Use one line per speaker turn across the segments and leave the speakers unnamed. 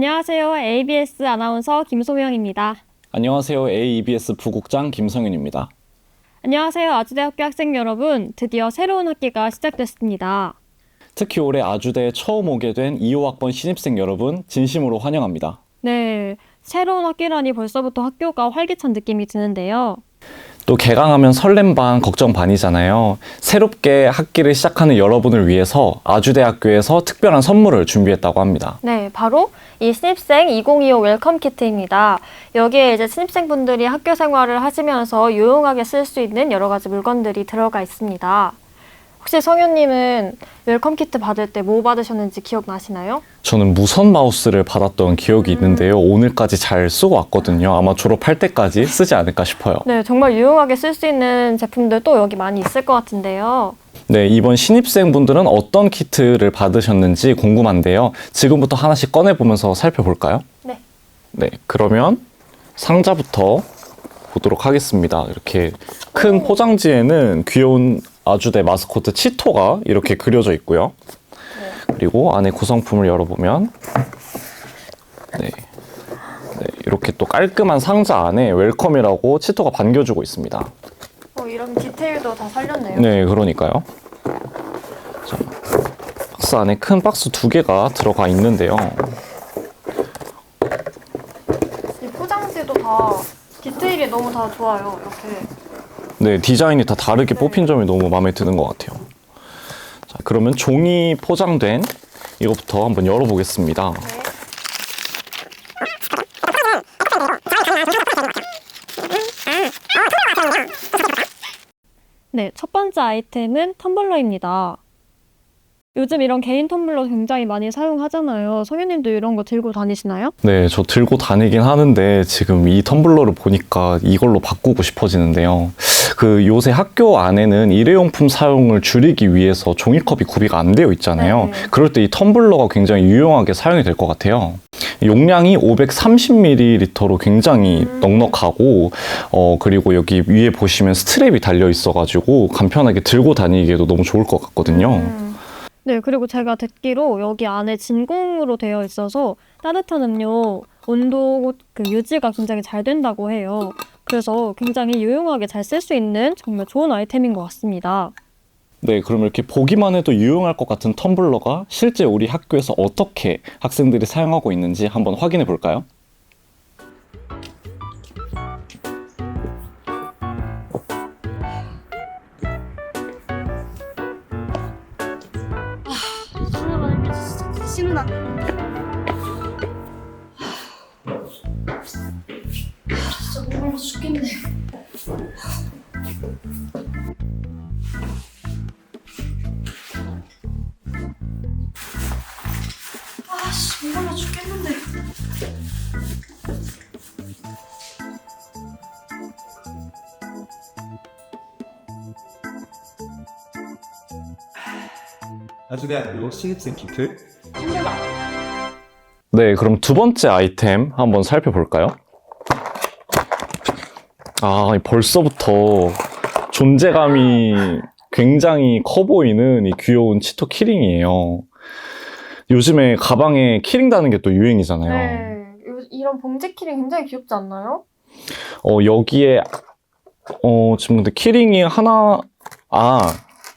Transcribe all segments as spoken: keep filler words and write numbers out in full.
안녕하세요. 에이비에스 아나운서 김소명입니다.
안녕하세요. 에이이비에스 부국장 김성윤입니다.
안녕하세요. 아주대학교 학생 여러분. 드디어 새로운 학기가 시작됐습니다.
특히 올해 아주대에 처음 오게 된 이 호 학번 신입생 여러분 진심으로 환영합니다.
네, 새로운 학기라니 벌써부터 학교가 활기찬 느낌이 드는데요.
또 개강하면 설렘 반 걱정 반이잖아요. 새롭게 학기를 시작하는 여러분을 위해서 아주대학교에서 특별한 선물을 준비했다고 합니다.
네, 바로 이 신입생 이천이십오 웰컴 키트입니다. 여기에 이제 신입생분들이 학교 생활을 하시면서 유용하게 쓸 수 있는 여러 가지 물건들이 들어가 있습니다. 혹시 성윤님은 웰컴 키트 받을 때 뭐 받으셨는지 기억나시나요?
저는 무선 마우스를 받았던 기억이 있는데요. 오늘까지 잘 쓰고 왔거든요. 아마 졸업할 때까지 쓰지 않을까 싶어요.
네, 정말 유용하게 쓸 수 있는 제품들 또 여기 많이 있을 것 같은데요.
네, 이번 신입생분들은 어떤 키트를 받으셨는지 궁금한데요. 지금부터 하나씩 꺼내보면서 살펴볼까요?
네.
네, 그러면 상자부터 보도록 하겠습니다. 이렇게 큰 포장지에는 귀여운 아주대 마스코트 치토가 이렇게 그려져 있고요.
네.
그리고 안에 구성품을 열어보면 네, 네, 이렇게 또 깔끔한 상자 안에 웰컴이라고 치토가 반겨주고 있습니다.
어, 이런 디테일도 다 살렸네요.
네, 그러니까요. 자, 박스 안에 큰 박스 두 개가 들어가 있는데요.
이 포장지도 다 디테일이 너무 다 좋아요. 이렇게.
네, 디자인이 다 다르게
네.
뽑힌 점이 너무 마음에 드는 것 같아요. 자, 그러면 종이 포장된 이거부터 한번 열어보겠습니다.
네. 네, 첫 번째 아이템은 텀블러입니다. 요즘 이런 개인 텀블러 굉장히 많이 사용하잖아요. 성현님도 이런 거 들고 다니시나요?
네, 저 들고 다니긴 하는데 지금 이 텀블러를 보니까 이걸로 바꾸고 싶어지는데요. 그 요새 학교 안에는 일회용품 사용을 줄이기 위해서 종이컵이 구비가 안 되어 있잖아요.
네.
그럴 때 이 텀블러가 굉장히 유용하게 사용이 될 것 같아요. 용량이 오백삼십 밀리리터로 굉장히
음.
넉넉하고 어 그리고 여기 위에 보시면 스트랩이 달려 있어가지고 간편하게 들고 다니기에도 너무 좋을 것 같거든요.
음. 네, 그리고 제가 듣기로 여기 안에 진공으로 되어 있어서 따뜻한 음료 온도 그 유지가 굉장히 잘 된다고 해요. 그래서 굉장히 유용하게 잘 쓸 수 있는 정말 좋은 아이템인 것 같습니다.
네, 그럼 이렇게 보기만 해도 유용할 것 같은 텀블러가 실제 우리 학교에서 어떻게 학생들이 사용하고 있는지 한번 확인해 볼까요?
하나만 해줘 진짜 싫으나 진짜 목말라 죽겠네. 아씨 목말라 죽겠는데.
아주대학교 신입생 키트.
힘들다.
네, 그럼 두 번째 아이템 한번 살펴볼까요? 아, 벌써부터 존재감이 굉장히 커 보이는 이 귀여운 치토 키링이에요. 요즘에 가방에 키링 다는 게 또 유행이잖아요.
네, 요- 이런 봉지 키링 굉장히 귀엽지 않나요?
어, 여기에, 어, 지금 근데 키링이 하나, 아,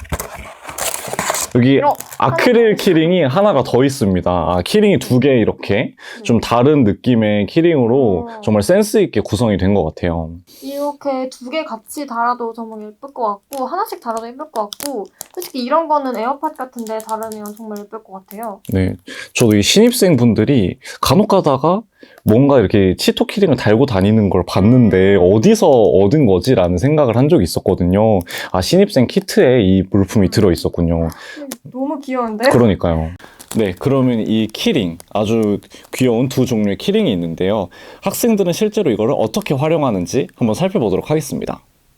여기
이런
아크릴 키링이 하나가 더 있습니다. 아, 키링이 두 개 이렇게 좀 다른 느낌의 키링으로
음.
정말 센스 있게 구성이 된 것 같아요.
이렇게 두 개 같이 달아도 정말 예쁠 것 같고 하나씩 달아도 예쁠 것 같고 솔직히 이런 거는 에어팟 같은데 달으면 정말 예쁠 것 같아요.
네, 저도 이 신입생 분들이 간혹 가다가 뭔가 이렇게 치토 키링을 달고 다니는 걸 봤는데 어디서 얻은 거지라는 생각을 한 적이 있었거든요. 아, 신입생 키트에 이 물품이 들어 있었군요.
너무 귀여운데?
그러니까요. 네, 그러면 이 키링, 아주 귀여운 두 종류의 키링이 있는데요. 학생들은 실제로 이거를 어떻게 활용하는지 한번 살펴보도록 하겠습니다.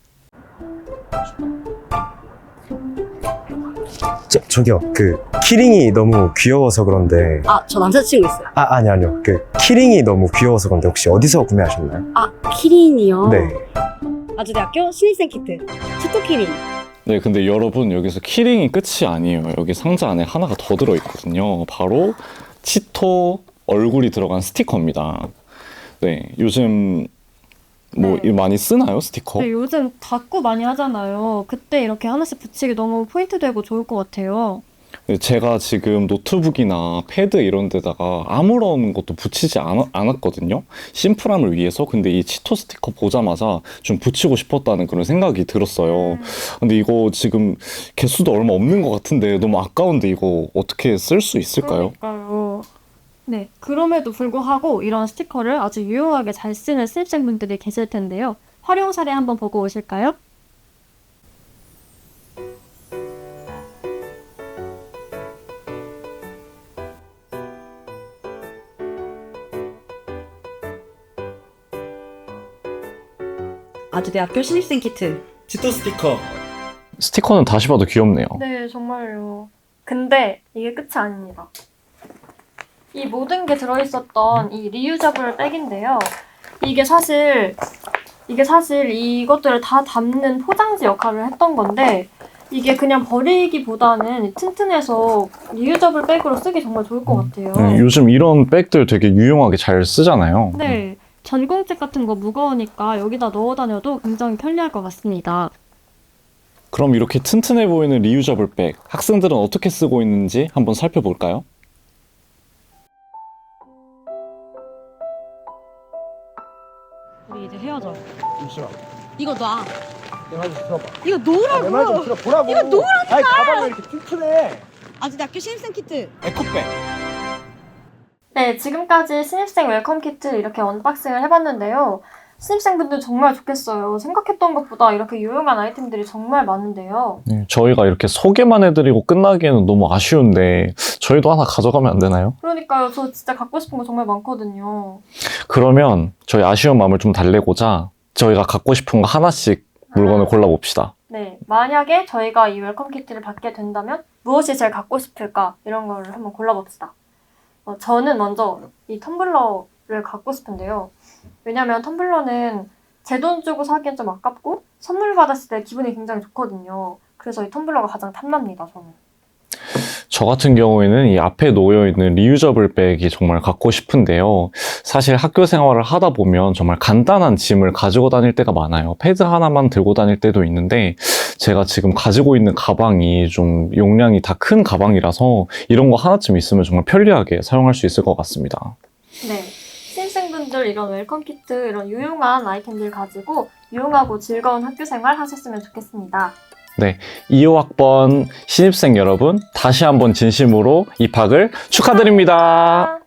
저, 저기요, 그 키링이 너무 귀여워서 그런데
아, 저 남자친구 있어요.
아, 아니 아니요, 그 키링이 너무 귀여워서 그런데 혹시 어디서 구매하셨나요?
아, 키링이요?
네.
아주대학교 신입생 키트 치토 키링.
네, 근데 여러분 여기서 키링이 끝이 아니에요. 여기 상자 안에 하나가 더 들어있거든요. 바로 치토 얼굴이 들어간 스티커입니다. 네, 요즘 뭐
네.
많이 쓰나요, 스티커?
네, 요즘 닫고 많이 하잖아요. 그때 이렇게 하나씩 붙이기 너무 포인트 되고 좋을 것 같아요.
네, 제가 지금 노트북이나 패드 이런 데다가 아무런 것도 붙이지 않, 않았거든요. 심플함을 위해서. 근데 이 치토 스티커 보자마자 좀 붙이고 싶었다는 그런 생각이 들었어요. 근데 이거 지금 개수도 얼마 없는 것 같은데 너무 아까운데 이거 어떻게 쓸 수 있을까요?
그러니까요. 네, 그럼에도 불구하고 이런 스티커를 아주 유용하게 잘 쓰는 신입생분들이 계실 텐데요. 활용 사례 한번 보고 오실까요?
아주대학교 신입생 키트.
치토 스티커.
스티커는 다시 봐도 귀엽네요.
네, 정말요. 근데 이게 끝이 아닙니다. 이 모든 게 들어있었던 이 리유저블 백인데요. 이게 사실 이게 사실 이것들을 다 담는 포장지 역할을 했던 건데 이게 그냥 버리기보다는 튼튼해서 리유저블 백으로 쓰기 정말 좋을 것 같아요.
네, 요즘 이런 백들 되게 유용하게 잘 쓰잖아요.
네, 전공책 같은 거 무거우니까 여기다 넣어 다녀도 굉장히 편리할 것 같습니다.
그럼 이렇게 튼튼해 보이는 리유저블 백, 학생들은 어떻게 쓰고 있는지 한번 살펴볼까요?
우리 이제 헤어져.
잠시만.
이거 놔.
내 말 좀 들어봐.
이거
내 말 좀
놓으라고.
들어보라고.
이거 놓으라니까.
아니 가방이 왜 이렇게 튼튼해?
아주대학교 신입생 키트.
에코백.
네, 지금까지 신입생 웰컴 키트 이렇게 언박싱을 해봤는데요. 신입생분들 정말 좋겠어요. 생각했던 것보다 이렇게 유용한 아이템들이 정말 많은데요.
네, 저희가 이렇게 소개만 해드리고 끝나기에는 너무 아쉬운데 저희도 하나 가져가면 안 되나요?
그러니까요. 저 진짜 갖고 싶은 거 정말 많거든요.
그러면 저희 아쉬운 마음을 좀 달래고자 저희가 갖고 싶은 거 하나씩 물건을 골라봅시다.
네, 만약에 저희가 이 웰컴 키트를 받게 된다면 무엇이 제일 갖고 싶을까? 이런 거를 한번 골라봅시다. 어, 저는 먼저 이 텀블러를 갖고 싶은데요. 왜냐면 텀블러는 제 돈 주고 사기엔 좀 아깝고 선물 받았을 때 기분이 굉장히 좋거든요. 그래서 이 텀블러가 가장 탐납니다, 저는.
저 같은 경우에는 이 앞에 놓여있는 리유저블 백이 정말 갖고 싶은데요. 사실 학교 생활을 하다 보면 정말 간단한 짐을 가지고 다닐 때가 많아요. 패드 하나만 들고 다닐 때도 있는데 제가 지금 가지고 있는 가방이 좀 용량이 다 큰 가방이라서 이런 거 하나쯤 있으면 정말 편리하게 사용할 수 있을 것 같습니다.
네, 신입생분들 이런 웰컴 키트, 이런 유용한 아이템들 가지고 유용하고 즐거운 학교 생활 하셨으면 좋겠습니다.
네, 이호 학번 신입생 여러분, 다시 한번 진심으로 입학을 축하드립니다.